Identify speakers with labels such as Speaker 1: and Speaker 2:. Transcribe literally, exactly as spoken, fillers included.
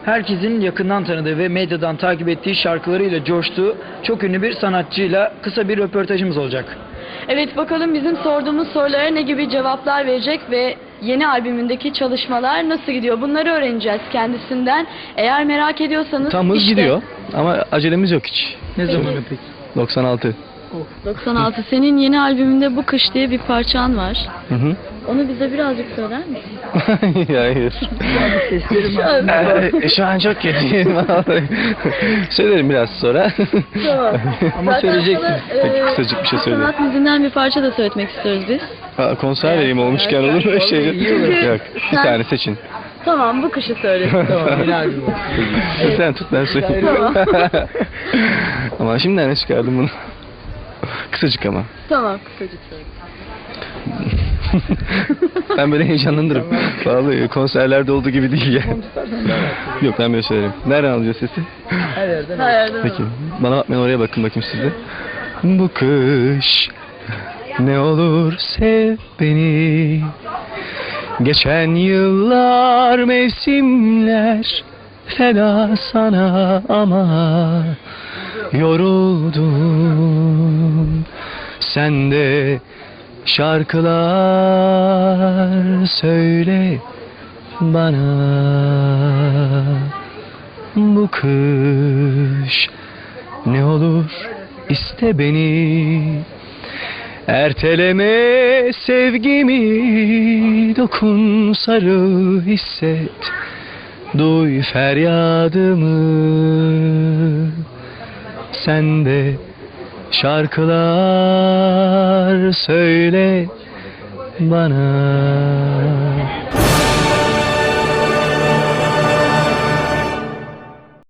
Speaker 1: herkesin yakından tanıdığı ve medyadan takip ettiği şarkılarıyla coştuğu çok ünlü bir sanatçıyla kısa bir röportajımız olacak.
Speaker 2: Evet, bakalım bizim sorduğumuz sorulara ne gibi cevaplar verecek ve yeni albümündeki çalışmalar nasıl gidiyor? Bunları öğreneceğiz kendisinden. Eğer merak ediyorsanız
Speaker 3: Tam hız
Speaker 2: işte
Speaker 3: gidiyor ama acelemiz yok hiç.
Speaker 1: Ne
Speaker 2: Peki.
Speaker 1: zamanı peki?
Speaker 3: doksan altı.
Speaker 2: doksan altı. Senin yeni albümünde Bu Kış diye bir parçan var.
Speaker 3: Hı hı.
Speaker 2: Onu bize birazcık söyler misin?
Speaker 3: Hayır.
Speaker 1: Seslerim
Speaker 3: Ee, Şu an çok kötüyüm vallahi. Söylerim biraz sonra.
Speaker 2: Tamam.
Speaker 1: Ama
Speaker 2: Zaten
Speaker 1: söyleyeceksin.
Speaker 2: sana,
Speaker 3: Peki,
Speaker 2: e,
Speaker 3: kısacık bir şey söyle.
Speaker 2: Sanat müziğinden bir parça da söyletmek istiyoruz biz.
Speaker 3: Ha, konser vereyim olmuşken olur mu?
Speaker 1: Vallahi
Speaker 3: Şey,
Speaker 1: iyi olur.
Speaker 3: yok. Bir
Speaker 2: Sen-
Speaker 3: tane seçin.
Speaker 2: Tamam, Bu Kış'ı söyle.
Speaker 1: Tamam, yeni albüm olsun.
Speaker 3: Sen tut ben söyleyeyim.
Speaker 2: Tamam.
Speaker 3: Ama şimdiden ne çıkardım bunu? Kısacık ama.
Speaker 2: Tamam, kısacık söyle.
Speaker 3: Ben böyle heyecanlanırım. Vallahi konserlerde olduğu gibi değil ya. Yok ben böyle söylerim. Nereden alacağız sesi?
Speaker 1: Her yerden.
Speaker 2: Her yerden
Speaker 3: Peki.
Speaker 2: alalım.
Speaker 3: Bana bakmayın, oraya bakın bakayım siz de. Bu kış ne olur sev beni. Geçen yıllar mevsimler feda sana ama yoruldum. Sen de şarkılar söyle bana. Bu kış ne olur iste beni. Erteleme sevgimi, dokun sarıl hisset. Duy feryadımı. Sen de şarkılar söyle bana.